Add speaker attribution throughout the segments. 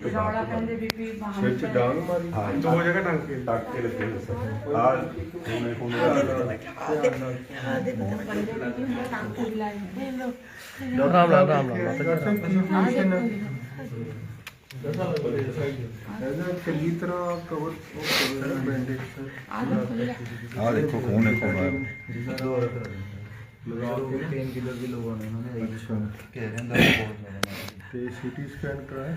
Speaker 1: ਰੌਲਾ ਪੈਂਦੇ ਬੀਬੀ
Speaker 2: ਸਿਰ 'ਚ ਡਾਂਗ ਮਾਰੀ।
Speaker 3: हाँ
Speaker 4: दो जगह टांके
Speaker 3: टाँके लगे हुए सर आज होने
Speaker 1: ਬੰਦੇ ਨਹੀਂ ਹੁੰਦਾ ਟਾਂਕੇ ਵੀ ਲਾਏ ਹੁੰਦੇ ਲੋ
Speaker 2: ਰਾਮ ਰਾਮ ਰਾਮ ਰਾਮ ਇਹਦਾ ਚੰਗੀ ਤਰ੍ਹਾਂ ਕਵਰ ਬੈਂਡੇਜ
Speaker 3: हाँ देखो खून है खून है
Speaker 2: ਲਗਾ ਕੇ
Speaker 5: 3 किलो की लोगों ने उन्होंने
Speaker 2: अच्छा
Speaker 5: कह रहे हैं बहुत ज़्यादा
Speaker 2: ਤੇ ਸੀਟੀ ਸਕੈਨ ਕਰਾਇਆ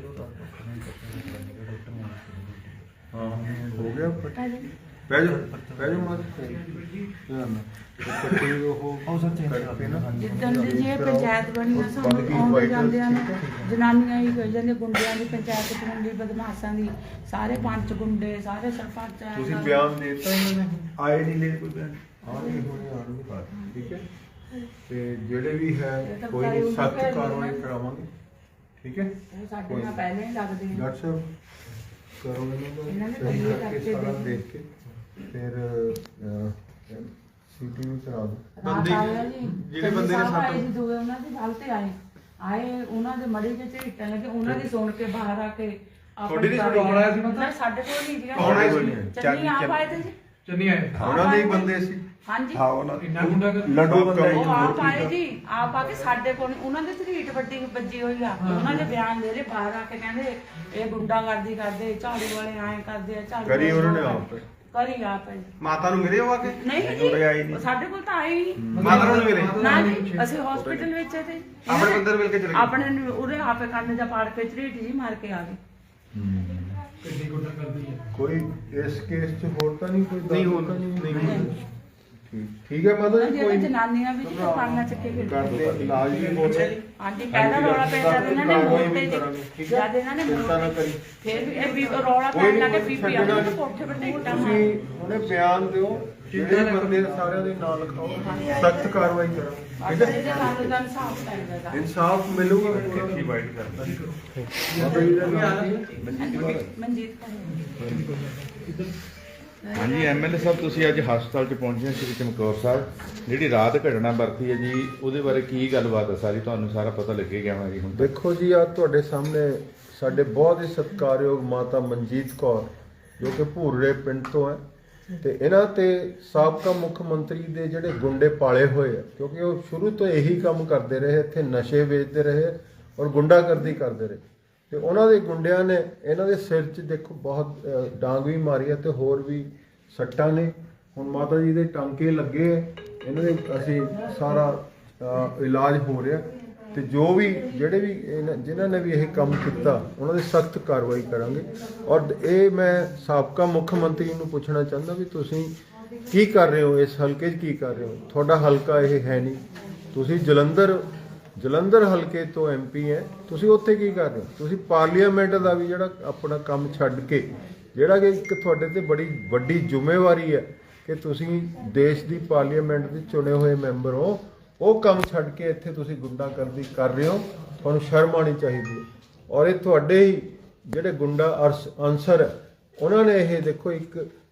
Speaker 2: ਹਾਂ ਹੋ ਗਿਆ ਬਹਿ ਜਾ ਮਾਰ ਧਿਆਨ ਨਾਲ ਪੱਟੀ ਉਹ ਕਰਕੇ ਨਾ
Speaker 1: ਜਿੱਦਣ ਦੀ ਜੀ ਇਹ ਪੰਚਾਇਤ ਬਣੀ ਆ ਸਾਨੂੰ ਆਉਂਦੇ ਜਾਂਦਿਆਂ ਨੂੰ ਜਨਾਨੀਆਂ ਹੀ ਕਹੀ ਜਾਂਦੇ ਗੁੰਡਿਆਂ ਦੀ ਪੰਚਾਇਤ ਚੁਣਦੀ ਬਦਮਾਸ਼ਾਂ ਦੀ ਸਾਰੇ ਪੰਚ ਗੁੰਡੇ ਸਾਰੇ ਸਰਪੰਚ
Speaker 2: ਤੁਸੀਂ ਬਿਆਨ ਦੇ ਦਿੱਤਾ ਇਹਨਾਂ ਨੇ
Speaker 3: आए नहीं ले कोई बयान
Speaker 2: ਆਉਣਗੇ ਠੀਕ ਹੈ ਤੇ ਜਿਹੜੇ ਵੀ ਹੈ ਕੋਈ ਨਹੀਂ ਸਖਤ ਕਾਰਵਾਈ ਕਰਾਵਾਂਗੇ ਠੀਕ ਹੈ
Speaker 1: ਉਹ ਸਾਡੇ ਨਾਲ ਪਹਿਲੇ ਹੀ ਲੱਗਦੇ ਨੇ
Speaker 2: ਡਾਕਟਰ ਸਾਹਿਬ ਕਰੋ
Speaker 1: ਇਹਨਾਂ
Speaker 2: ਇਹਨਾਂ
Speaker 1: ਨੇ
Speaker 2: ਨੂੰ ਸਹੀ
Speaker 1: ਪਹਿਲੇ
Speaker 2: ਕਰਕੇ
Speaker 1: ਕਰਕੇ
Speaker 2: ਸਾਰਾ
Speaker 1: ਦੇ-
Speaker 2: ਦੇਖ ਕੇ ਫਿਰ ਸੀਟੀ ਵੀ ਕਰਾ ਦਿਓ
Speaker 1: ਰਾਤ ਆਇਆ ਜੀ
Speaker 4: ਜਿਹੜੇ ਬੰਦੇ ਨੇ
Speaker 1: ਸਾਹਿਬ ਆਏ
Speaker 4: ਸੱਟ-
Speaker 1: ਜੀ ਦੋਵੇਂ ਉਹਨਾਂ ਦੇ ਗੱਲ ਤੇ ਆਏ ਉਹਨਾਂ ਦੇ ਮੜੀ ਵਿੱਚ ਝਿੱਟਣ ਲੱਗੇ ਉਹਨਾਂ ਦੀ ਸੁਣ ਕੇ ਬਾਹਰ ਆ ਕੇ
Speaker 4: ਤੁਹਾਡੀ ਨੀ ਸੁਣ ਕੌਣ ਆਇਆ ਸੀ ਪਤਾ?
Speaker 1: ਨਹੀਂ, ਸਾਡੇ ਕੋਲ ਨਹੀਂ ਜੀ
Speaker 4: ਕੌਣ ਆਇਆ ਸੀ?
Speaker 1: ਚੰਨੀ ਆਪ ਆਏ ਤੇ ਜੀ
Speaker 4: चन्नी आए
Speaker 2: ਉਹਨਾਂ ਦੇ ਹੀ ਬੰਦੇ ਸੀ
Speaker 1: ਹਾਂਜੀ
Speaker 3: हाँ वो
Speaker 4: इन्ना गुंडा कर
Speaker 3: लड्डू बंदा
Speaker 1: ਉਹ ਆਪ ਆਏ ਜੀ ਆਪ ਆ ਕੇ ਸਾਡੇ ਕੋਲ ਉਹਨਾਂ ਦੇ ਝਰੀਟ ਵੱਡੀ ਵੱਜੀ ਹੋਈ ਆ ਉਹਨਾਂ ਦੇ ਬਿਆਨ ਦੇ ਰਹੇ ਬਾਹਰ ਆ ਕੇ ਕਹਿੰਦੇ ਇਹ ਗੁੰਡਾਗਰਦੀ ਕਰਦੇ ਝਾੜੂ ਵਾਲੇ ਐਂ ਕਰਦੇ ਆ ਝਾੜੂ
Speaker 2: ਕਰੀ
Speaker 1: ਵਾਲੇ
Speaker 2: ਉਹਨਾਂ ਨੇ
Speaker 1: ਉਹ
Speaker 2: ਆਪ।
Speaker 1: ਕਰੀ ਆਪ ਹੈ
Speaker 4: माता नु मिले हो आके
Speaker 1: ਨਹੀਂ
Speaker 3: ਉਰੇ ਆਏ
Speaker 1: ਜੀ
Speaker 3: ਨਹੀਂ।
Speaker 1: ਸਾਡੇ ਕੋਲ ਤਾਂ ਆਏ ਹੀ ਨਹੀਂ
Speaker 4: माता नु मिले
Speaker 1: ਨਾ ਜੀ ਅਸੀਂ ਹਸਪੀਟਲ ਵਿੱਚ ਤੇ
Speaker 4: ਆਪਣੇ ਬੰਦੇ ਨੂੰ ਮਿਲ ਕੇ ਚਲੇ ਗਏ।
Speaker 1: ਆਪਣੇ ਨੂੰ ਉਹਦੇ ਆਪੇ ਕੰਨ ਜਾਂ ਪਾੜ ਕੇ ਝਰੀਟ ਜੀ ਮਾਰ ਕੇ ਆ ਗਏ
Speaker 4: कितनी गुंडा कर दी है
Speaker 2: ਕੋਈ ਇਸ ਕੇਸ 'ਚ ਹੋਰ ਤਾਂ ਨਹੀਂ ਕੋਈ
Speaker 4: ਨਹੀਂ
Speaker 2: ਦਾਅਵਾ
Speaker 4: ਹੋਣ-
Speaker 2: ਤਾਂ
Speaker 4: ਨਹੀਂ ਹੋਣ।
Speaker 2: ਠੀਕ ਹੈ ਮਾਤਾ ਜੀ
Speaker 1: ਜਿਹੜੇ
Speaker 2: ਕੋਈ
Speaker 1: ਜਨਾਨੀਆਂ ਵੀ ਜੀ ਪਾਣਾ ਚੱਕੇ ਫਿਰਦੇ
Speaker 2: ਕਰਦੇ ਇਲਾਜ ਵੀ ਬੋਲੇ
Speaker 1: ਆਂਟੀ ਪਹਿਲਾਂ ਰੌਲਾ ਪੈਂਦਾ ਤੇ ਇਹਨਾਂ ਨੇ
Speaker 2: ਕਾਰਵਾਈ
Speaker 1: ਮੋੜ
Speaker 2: ਵੀ
Speaker 1: ਤੇ
Speaker 2: ਕਰਾਂਗੇ, ਠੀਕ ਹੈ?
Speaker 1: ਜਦ ਇਹਨਾਂ ਨੇ
Speaker 2: ਚਿੰਤਾ ਨਾ ਕਰੀ।
Speaker 1: ਫਿਰ ਵੀ ਇਹ ਵੀ ਰੌਲਾ
Speaker 2: ਕੋਈ
Speaker 1: ਪੈਣ
Speaker 2: ਨਹੀਂ,
Speaker 1: ਲੱਗੇ
Speaker 2: ਕੋਈ
Speaker 1: ਬੀਬੀ ਆ
Speaker 2: ਛੱਡਣਾ
Speaker 1: ਗਈ
Speaker 2: ਨਹੀਂ।
Speaker 1: ਕੋਠੇ ਵੱਡੇ ਇੱਟਾਂ
Speaker 2: ਤੁਸੀਂ
Speaker 1: ਮਾਰ
Speaker 2: ਉਹਨੇ ਬਿਆਨ ਦਿਓ ਜਿਹੜੇ ਬੰਦੇ ਸਾਰਿਆਂ ਦੇ ਨਾਂ ਲਿਖਾਓ ਸਖਤ ਕਾਰਵਾਈ ਕਰਾਂਗੇ
Speaker 1: ਬਸ
Speaker 2: ਠੀਕ ਹੈ
Speaker 1: ਇਹਦੇ ਨਾਲ ਤਾਂ ਇਨਸਾਫ ਚਾਹੀਦਾ ਗਾ।
Speaker 2: ਇਨਸਾਫ ਮਿਲੂਗਾ
Speaker 3: की वाइट कर
Speaker 2: ਮਾਤਾ ਜੀ ਦਾ ਨਾਮ ਕੀ ਹੈ?
Speaker 1: ਮਨਜੀਤ ਕੌਰ।
Speaker 3: हाँ जी एमएलए साहब ਤੁਸੀਂ ਅੱਜ ਹਸਪਤਾਲ 'ਚ ਪਹੁੰਚੇ ਸ਼੍ਰੀ ਚਮਕੌਰ ਸਾਹਿਬ ਜਿਹੜੀ ਰਾਤ ਘਟਨਾ ਵਰਤੀ ਹੈ ਜੀ ਉਹਦੇ ਬਾਰੇ ਕੀ ਗੱਲਬਾਤ ਹੈ ਸਾਰੀ ਤੁਹਾਨੂੰ ਸਾਰਾ ਪਤਾ ਲੱਗੇ ਗਿਆ ਹੋਣਾ ਜੀ ਹੁਣ ਤੱਕ
Speaker 2: ਦੇਖੋ ਜੀ ਆ ਤੁਹਾਡੇ ਸਾਹਮਣੇ ਸਾਡੇ ਬਹੁਤ ਹੀ ਸਤਿਕਾਰਯੋਗ ਮਾਤਾ ਮਨਜੀਤ ਕੌਰ ਜੋ ਕਿ ਭੂਰੇ ਪਿੰਡ ਤੋਂ ਹੈ ਤੇ ਇਹਨਾਂ ਤੇ ਸਾਬਕਾ ਮੁੱਖ ਮੰਤਰੀ ਦੇ ਜਿਹੜੇ ਗੁੰਡੇ ਪਾਲੇ ਹੋਏ ਆ ਕਿਉਂਕਿ ਉਹ ਸ਼ੁਰੂ ਤੋਂ ਇਹੀ ਕੰਮ ਕਰਦੇ ਰਹੇ ਇੱਥੇ ਨਸ਼ੇ ਵੇਚਦੇ ਰਹੇ ਔਰ ਗੁੰਡਾਗਰਦੀ ਕਰਦੇ ਰਹੇ ਤੇ ਉਹਨਾਂ ਦੇ ਗੁੰਡਿਆਂ ਨੇ ਇਹਨਾਂ ਦੇ ਸਿਰ 'ਚ ਦੇਖੋ ਬਹੁਤ ਡਾਂਗ ਵੀ ਮਾਰੀ ਹੈ ਤੇ ਹੋਰ ਵੀ ਸੱਟਾਂ ਨੇ ਹੁਣ ਮਾਤਾ ਜੀ ਦੇ ਟਾਂਕੇ ਲੱਗੇ ਆ ਇਹਨਾਂ ਦੇ ਅਸੀਂ ਸਾਰਾ ਇਲਾਜ ਹੋ ਰਿਹਾ ਤੇ ਜੋ ਵੀ ਜਿਹੜੇ ਵੀ ਜਿਨ੍ਹਾਂ ਨੇ ਵੀ ਇਹ ਕੰਮ ਕੀਤਾ ਉਹਨਾਂ ਦੇ ਸਖਤ ਕਾਰਵਾਈ ਕਰਾਂਗੇ ਔਰ ਇਹ ਮੈਂ ਸਾਬਕਾ ਮੁੱਖ ਮੰਤਰੀ ਨੂੰ ਪੁੱਛਣਾ ਚਾਹੁੰਦਾ ਵੀ ਤੁਸੀਂ ਕੀ ਕਰ ਰਹੇ ਹੋ ਇਸ ਹਲਕੇ 'ਚ ਕੀ ਕਰ ਰਹੇ ਹੋ ਤੁਹਾਡਾ ਹਲਕਾ ਇਹ ਹੈ ਨਹੀਂ ਤੁਸੀਂ ਜਲੰਧਰ ਹਲਕੇ ਤੋਂ ਐਮਪੀ ਹੈ ਤੁਸੀਂ ਉੱਥੇ ਕੀ ਕਰ ਰਹੇ ਹੋ ਤੁਸੀਂ ਪਾਰਲੀਮੈਂਟ ਦਾ ਵੀ ਜਿਹੜਾ ਆਪਣਾ ਕੰਮ ਛੱਡ ਕੇ ਜਿਹੜਾ ਕਿ ਇੱਕ ਤੁਹਾਡੇ ਤੇ ਬੜੀ ਵੱਡੀ ਜ਼ਿੰਮੇਵਾਰੀ ਹੈ ਕਿ ਤੁਸੀਂ ਦੇਸ਼ ਦੀ ਪਾਰਲੀਮੈਂਟ ਦੇ ਚੁਣੇ ਹੋਏ ਮੈਂਬਰ ਹੋ ਉਹ ਕੰਮ ਛੱਡ ਕੇ ਇੱਥੇ ਤੁਸੀਂ ਗੁੰਡਾਗਰਦੀ ਕਰ ਰਹੇ ਹੋ ਤੁਹਾਨੂੰ ਸ਼ਰਮ ਆਉਣੀ ਚਾਹੀਦੀ ਹੈ ਔਰ ਇਹ ਤੁਹਾਡੇ ਹੀ ਜਿਹੜੇ ਗੁੰਡਾ ਅਨਸਰ ਹੈ ਉਹਨਾਂ ਨੇ ਇਹ ਦੇਖੋ ਇੱਕ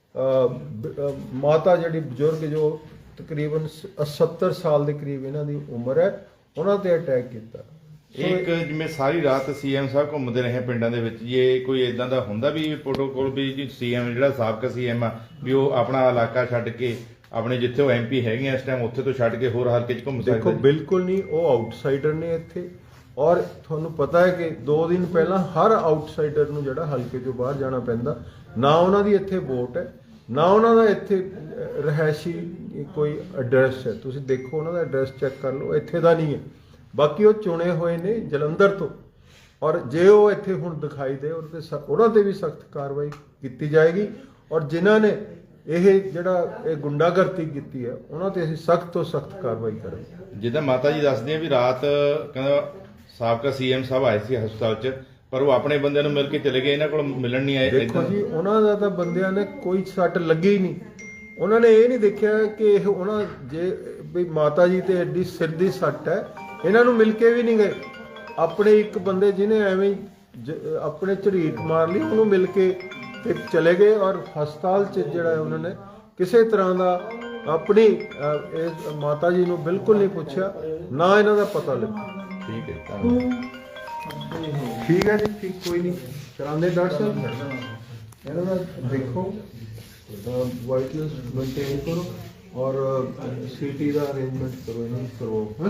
Speaker 2: ਮਾਤਾ ਜਿਹੜੀ ਬਜ਼ੁਰਗ ਜੋ ਤਕਰੀਬਨ 70 ਸਾਲ ਦੇ ਕਰੀਬ ਇਹਨਾਂ ਦੀ ਉਮਰ ਹੈ ਉਹਨਾਂ ਤੇ ਅਟੈਕ ਕੀਤਾ
Speaker 3: ਇੱਕ ਜਿਵੇਂ ਸਾਰੀ ਰਾਤ ਸੀਐਮ ਸਾਹਿਬ ਘੁੰਮਦੇ ਰਹੇ ਪਿੰਡਾਂ ਦੇ ਵਿੱਚ ਜੇ ਕੋਈ ਇਦਾਂ ਦਾ ਹੁੰਦਾ ਵੀ ਪ੍ਰੋਟੋਕੋਲ ਵੀ ਜੀ ਸੀਐਮ ਜਿਹੜਾ ਸਾਬਕਾ ਸੀਐਮ ਆ ਵੀ ਉਹ ਆਪਣਾ ਇਲਾਕਾ ਛੱਡ ਕੇ ਆਪਣੇ ਜਿੱਥੇ ਉਹ ਐਮਪੀ ਹੈਗੇ ਆ ਇਸ ਟਾਈਮ ਉੱਥੇ ਤੋਂ ਛੱਡ ਕੇ ਹੋਰ ਹਲਕੇ 'ਚ ਘੁੰਮ
Speaker 2: ਦੇਖੋ
Speaker 3: ਸਕਦੇ
Speaker 2: ਬਿਲਕੁਲ ਨਹੀਂ ਉਹ ਆਊਟਸਾਈਡਰ ਨੇ ਇੱਥੇ ਔਰ ਤੁਹਾਨੂੰ ਪਤਾ ਹੈ ਕਿ 2 ਦਿਨ ਪਹਿਲਾਂ ਹਰ ਆਊਟਸਾਈਡਰ ਨੂੰ ਜਿਹੜਾ ਹਲਕੇ ਤੋਂ ਬਾਹਰ ਜਾਣਾ ਪੈਂਦਾ ਨਾ ਉਹਨਾਂ ਦੀ ਇੱਥੇ ਵੋਟ ਹੈ ਨਾ ਉਹਨਾਂ ਦਾ ਇੱਥੇ ਰਹਿائشੀ ਕੋਈ ਐਡਰੈਸ ਹੈ ਤੁਸੀਂ ਦੇਖੋ ਉਹਨਾਂ ਦਾ ਐਡਰੈਸ ਚੈੱਕ ਕਰ ਲਓ ਇੱਥੇ ਦਾ ਨਹੀਂ ਹੈ ਬਾਕੀ ਉਹ ਚੁਣੇ ਹੋਏ ਨੇ ਜਲੰਧਰ ਤੋਂ ਔਰ ਜੇ ਉਹ ਇੱਥੇ ਹੁਣ ਦਿਖਾਈ ਦੇ ਉਹਨਾਂ ਤੇ ਵੀ ਸਖਤ ਕਾਰਵਾਈ ਕੀਤੀ ਜਾਏਗੀ ਔਰ ਜਿਨ੍ਹਾਂ ਨੇ ਇਹ ਜਿਹੜਾ ਇਹ ਗੁੰਡਾਗਰਦੀ ਕੀਤੀ ਹੈ ਉਹਨਾਂ ਤੇ ਅਸੀਂ ਸਖਤ ਤੋਂ ਸਖਤ ਕਾਰਵਾਈ ਕਰਾਂਗੇ
Speaker 3: ਜਿੱਦਾਂ ਮਾਤਾ ਜੀ ਦੱਸਦੇ ਆ ਵੀ ਰਾਤ ਕਹਿੰਦਾ ਸਾਬਕਾ ਸੀਐਮ ਸਾਹਿਬ ਆਏ ਸੀ ਹਸਪਤਾਲ 'ਚ ਪਰ ਉਹ ਆਪਣੇ ਬੰਦਿਆਂ ਨੂੰ ਮਿਲ ਕੇ ਚਲੇ ਗਏ ਇਹਨਾਂ ਕੋਲ ਮਿਲਣ ਨਹੀਂ ਆਏ
Speaker 2: ਦੇਖੋ ਜੀ ਉਹਨਾਂ ਦਾ ਤਾਂ ਬੰਦਿਆਂ ਨੇ ਕੋਈ ਸੱਟ ਲੱਗੀ ਹੀ ਨਹੀਂ ਉਹਨਾਂ ਨੇ ਇਹ ਨਹੀਂ ਦੇਖਿਆ ਕਿ ਇਹ ਉਹਨਾਂ ਜੇ ਵੀ ਮਾਤਾ ਜੀ ਤੇ ਐਡੀ ਸਿਰ ਦੀ ਸੱਟ ਹੈ ਇਹਨਾਂ ਨੂੰ ਮਿਲ ਕੇ ਵੀ ਨਹੀਂ ਗਏ ਆਪਣੇ ਇੱਕ ਬੰਦੇ ਜਿਹਨੇ ਐਵੇਂ ਆਪਣੇ ਝਰੀਟ ਮਾਰ ਲਈ ਉਹਨੂੰ ਮਿਲ ਕੇ ਤੇ ਚਲੇ ਗਏ ਔਰ ਹਸਪਤਾਲ 'ਚ ਜਿਹੜਾ ਉਹਨਾਂ ਨੇ ਕਿਸੇ ਤਰ੍ਹਾਂ ਦਾ ਆਪਣੀ ਇਸ ਮਾਤਾ ਜੀ ਨੂੰ ਬਿਲਕੁਲ ਨਹੀਂ ਪੁੱਛਿਆ ਨਾ ਇਹਨਾਂ ਦਾ ਪਤਾ ਲੱਗਾ
Speaker 3: ਠੀਕ ਹੈ ਧੰਨਵਾਦ
Speaker 2: ਠੀਕ ਹੈ ਜੀ, ਠੀਕ, ਕੋਈ ਨਹੀਂ ਕਰਾਉਂਦੇ ਡਾਕਟਰ ਸਾਹਿਬ। ਇਹਨਾਂ ਦਾ ਦੇਖੋ ਵਾਈਟਨੈਸ ਮੇਨਟੇਨ ਕਰੋ ਔਰ ਸੀਟੀ ਦਾ ਅਰੇਂਜਮੈਂਟ ਕਰੋ, ਇਹਨਾਂ ਨੂੰ ਕਰੋ। ਹਾਂ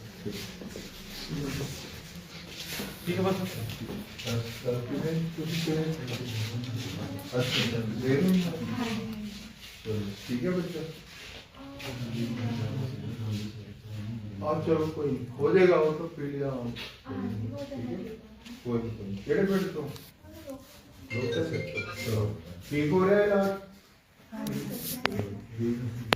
Speaker 4: ਠੀਕ ਹੈ ਬਸ।
Speaker 2: ठीक है बच्चा, आप चलो कोई नहीं, हो जाएगा वो तो पी लिया हम। कोई नहीं, केड़े बेड तो ठीक हो रहा है इलाज।